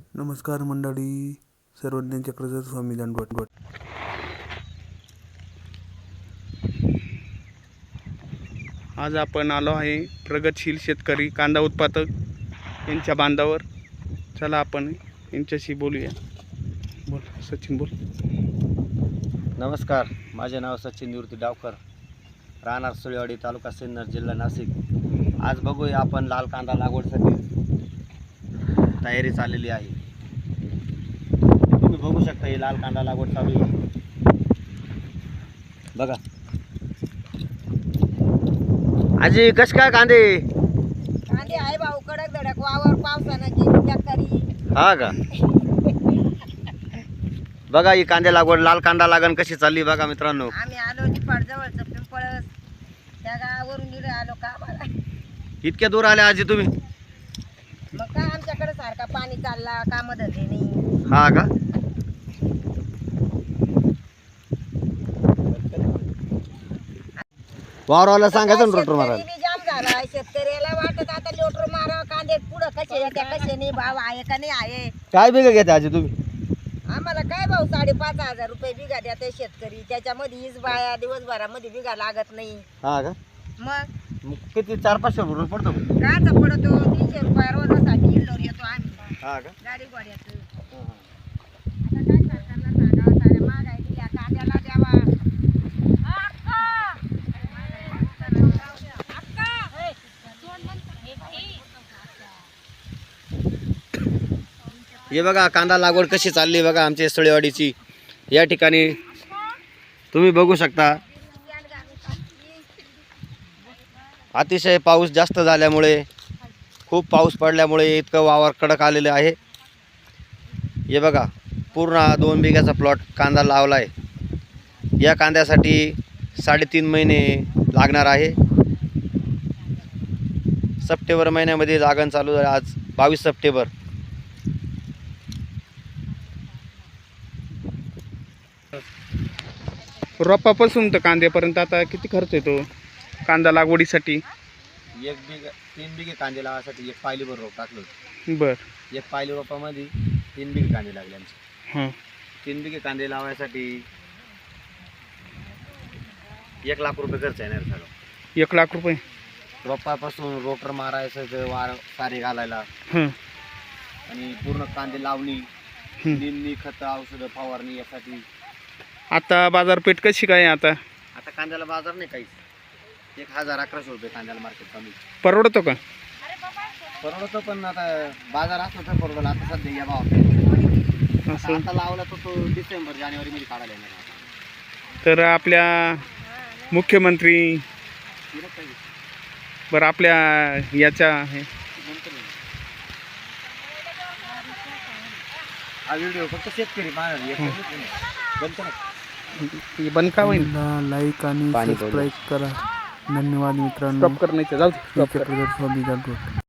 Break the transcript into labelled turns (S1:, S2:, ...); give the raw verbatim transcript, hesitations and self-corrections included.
S1: नमस्कार मंडळी, सर्वज्ञ चक्रधर स्वामी दांडवट.
S2: आज आपण आलो आहे प्रगतशील शेतकरी कांदा उत्पादक यांच्या बांधावर. चला आपण यांच्याशी बोलूया. बोल सचिन, बोल.
S3: नमस्कार, माझे नाव सचिन निवृत्ती डावकर, राहणार सुळेवाडी, तालुका सिन्नर, जिल्हा नाशिक. आज बघूया आपण लाल कांदा लागवडीसाठी तयारी चाललेली आहे. तुम्ही बघू शकता ही लाल कांदा लागवड चालू आहे. बघा आजी, कश काय कांदे
S4: कांदे आहे भाऊ, कडक धडक वावर, पावसानं गेली टक्करी.
S3: हा का? बघा ही कांदे लागवड, लाल कांदा लागण कशी चालली बघा मित्रांनो.
S4: आम्ही आलो निफाड जवळचं पिंपळस त्या गावावरून इकडे आलो का मला.
S3: इतक्या दूर आले आजी तुम्ही?
S4: मग काय आमच्याकडे सारखा पाणी चालला, काम धंदे नाही.
S3: हा का? वावराला सांगायचं ना रोटर मारायला.
S4: शेतकरी जाम झाला, शेतकऱ्याला वाटत आता लोटर मारा, कांदे पुढं कसे येत्या कसे नाही, भाव आहे का नाही आहे.
S3: काय बिघा घेते आजी तुम्ही?
S4: आम्हाला काय भाऊ साडेपाच हजार रुपये बिघा द्या ते शेतकरी. त्याच्यामध्ये हीच बाया दिवसभरामध्ये बिघा लागत नाही.
S3: हा का?
S4: मग
S3: मग किती चार पाचशे रुपये पडतो?
S4: काचा पडतो तीनशे रुपये रोजासाठी इल्लोर येतो आम्ही
S3: हा का?
S4: गाडी घोड्याचं. आता काय सरकारला सांगावं, साऱ्या महागाई दिल्या, कांद्याला द्यावा.
S3: हे बघा कांदा लागवड कशी चालली बघा आमच्या सुळेवाडीची. या ठिकाणी तुम्ही बघू शकता, अतिशय पाऊस जास्त झाल्यामुळे, खूप पाऊस पडल्यामुळे इतकं वावर कडक आलेलं आहे. हे बघा पूर्ण हा दोन बिघ्याचा प्लॉट कांदा लावला आहे. या कांद्यासाठी साडेतीन महिने लागणार आहे. सप्टेंबर महिन्यामध्ये लागण चालू आहे. आज बावीस सप्टेंबर.
S2: रोपापासून तर कांद्यापर्यंत आता किती खर्च येतो कांदा लागवडीसाठी?
S3: एक बिघा तीन बिघे कांदे लावायसाठी एक पायलीभर रोप टाकलं होतं.
S2: बर.
S3: एक पायली रोपामध्ये तीन बिघे कांदे लागले आमचे.
S2: हां.
S3: तीन बिघे कांदे लावायसाठी एक लाख रुपये खर्च येणार सगळं.
S2: एक लाख रुपये.
S3: रोपापासून रोटर मारायचं, ते वार सारे घालायला,
S2: हां.
S3: आणि पूर्ण कांदे लावणी, निंदणी, खतं, औषधं, फवारणी यासाठी.
S2: आता बाजारपेठ कशी काय आहे आता?
S3: आता कांद्याला बाजार नाही काहीच. एक हजार अकराशे रुपये कांद्याला मार्केट कमी.
S2: परवडतो का?
S3: परवडतो, पण आता बाजार असतो तर परवडलं. आता सध्या या भाव
S2: असं
S3: आता लावला तर तो डिसेंबर जानेवारी मध्ये काढायला येणार.
S2: तर आपल्या मुख्यमंत्री, बरं आपल्या याच्या हे
S3: हा व्हिडिओ फक्त शेतकरी पाहणार.
S2: बंद का होईल?
S1: लाईक आणि
S3: पाणी
S1: सबस्क्राईब करा. धन्यवाद मित्रांनो.
S2: स्टॉप करण्याचं जाऊ दे.
S1: चक्रधर स्वामी दांडवट.